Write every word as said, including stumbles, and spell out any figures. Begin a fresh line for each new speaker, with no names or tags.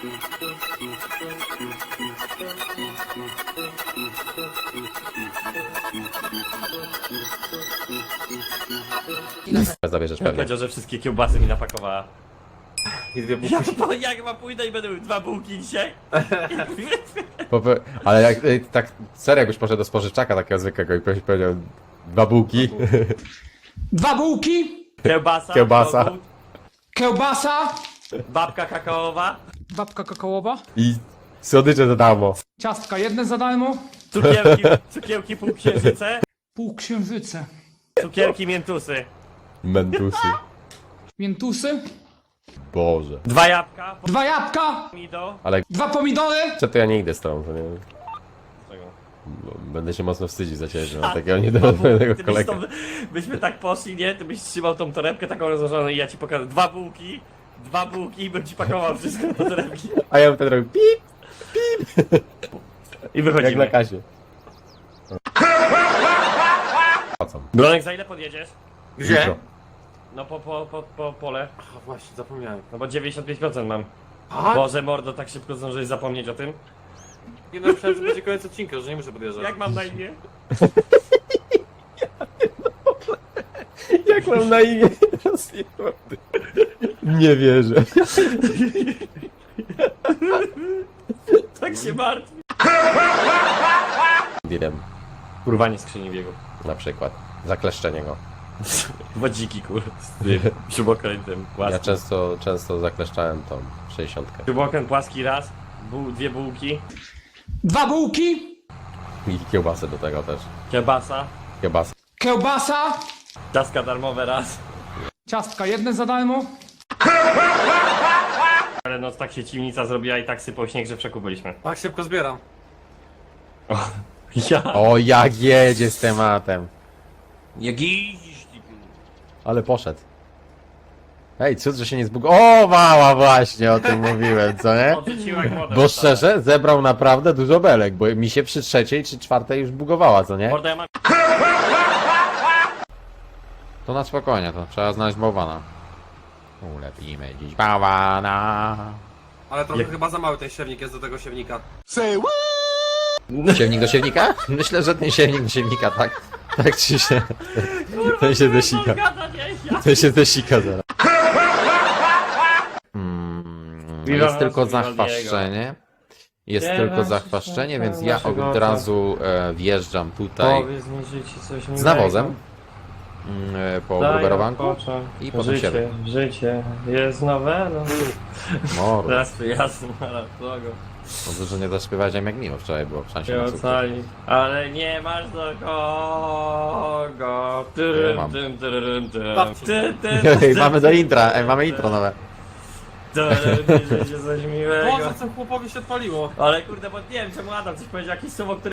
Zabierzesz pewnie.
Powiedział, że wszystkie kiełbasy mi napakowała.
I dwie bułki.
Ja po, jak chyba pójdę i będę miał dwa bułki dzisiaj.
Pope- Ale jak y, tak serio jakbyś poszedł do spożyczaka takiego zwykłego i ktoś powiedział dwa bułki,
Dwa bułki,
Kiełbasa.
Kiełbasa.
kogut,
kiełbasa,
babka kakaowa.
babka kakaowa,
i słodycze za darmo.
ciastka jedne za darmo,
Cukierki, cukierki półksiężyce.
półksiężyce,
Cukierki miętusy.
Mentusy.
miętusy,
Boże.
Dwa jabłka.
dwa jabłka,
Pomido.
Ale
dwa pomidory,
co to ja nie idę z tobą, to nie
Czego?
bo będę się mocno wstydzić za ciebie, że mam takiego niedowolnego
Ty byś
kolegę.
tą, byśmy tak poszli, nie? Ty byś trzymał tą torebkę taką rozłożoną i ja ci pokażę dwa bułki. Dwa bułki i bym ci pakował wszystko do torebki.
A ja bym wtedy robił pip,
I
jak
wychodzimy.
na kasie. Płacą.
Bronek, za ile podjedziesz?
Gdzie?
Jutro.
No po, po, po, po pole.
A właśnie, zapomniałem.
No bo dziewięćdziesiąt pięć procent mam.
A?
Boże mordo, tak szybko zdążyłeś zapomnieć o tym?
Nie no, myślałem, że będzie koniec odcinka, że nie muszę podjeżdżać.
Jak mam na imię?
Jak mam na imię? Nie wierzę.
Tak się martwi.
Wiem,
Kurwanie skrzyni biegu.
na przykład. Zakleszczenie go.
Wodziki kur... z tym śrubokrętem
Ja
płaskim.
często, często zakleszczałem tą sześćdziesiątkę.
Śrubokręt płaski raz, buł, dwie bułki,
dwa bułki,
I kiełbasę do tego też.
kiełbasa,
Kiełbasa.
kiełbasa,
ciastka darmowe raz.
ciastka jedne za darmo,
Ale noc tak się ciemnica zrobiła i tak sypał śnieg, że przekupiliśmy.
Tak szybko zbieram.
Ja.
O, jak jedzie z tematem.
Jak jeździsz,
Ale poszedł. Hej, cud, że się nie zbug... O, mała, właśnie o tym mówiłem, co nie?
Odrzuciła jak wodę.
Bo szczerze, zebrał naprawdę dużo belek, bo mi się przy trzeciej czy czwartej już bugowała, co nie?
Mordo, ja mam...
To na spokojnie, to trzeba znaleźć bałwana. Ulepimy dziś bałwana.
Ale trochę
Jak-
chyba za mały ten siewnik jest do tego siewnika.
Siewnik do siewnika? Myślę, że ten siewnik do siewnika, tak. Tak czy się... Ten się desika.
Gada, nie, ja.
Ten się desika zaraz. Mm,
Viva
jest tylko
Vivaldiego.
zachwaszczenie. Jest
Viva
tylko
Viva
zachwaszczenie,
Viva
więc ja
naszego
od
ojca.
razu e, wjeżdżam tutaj
Powiedz mi życie coś miłego.
z nawozem mm, e, po
Daj
gruberowanku
odpocząć.
i potem
życie,
siebie.
życie jest nowe, no.
Mordo.
Teraz to jasno, ale drogo.
Dobrze, że nie zaśpiewałem jak miło wczoraj było w szansie
Się
na sukces.
ocali. Ale nie masz do kogo.
Ja
Tyrym,
mam.
tym, tyrym, tym.
Bawcie.
Ty, ty,
Ej,
ty,
mamy
ty,
do
ty,
intra,
ty,
ej, mamy
ty.
intro nowe.
Tyrym, życie coś miłego.
Boże, co chłopowi się odpaliło.
Ale kurde, bo nie wiem czemu Adam coś powiedział, jakieś słowo, które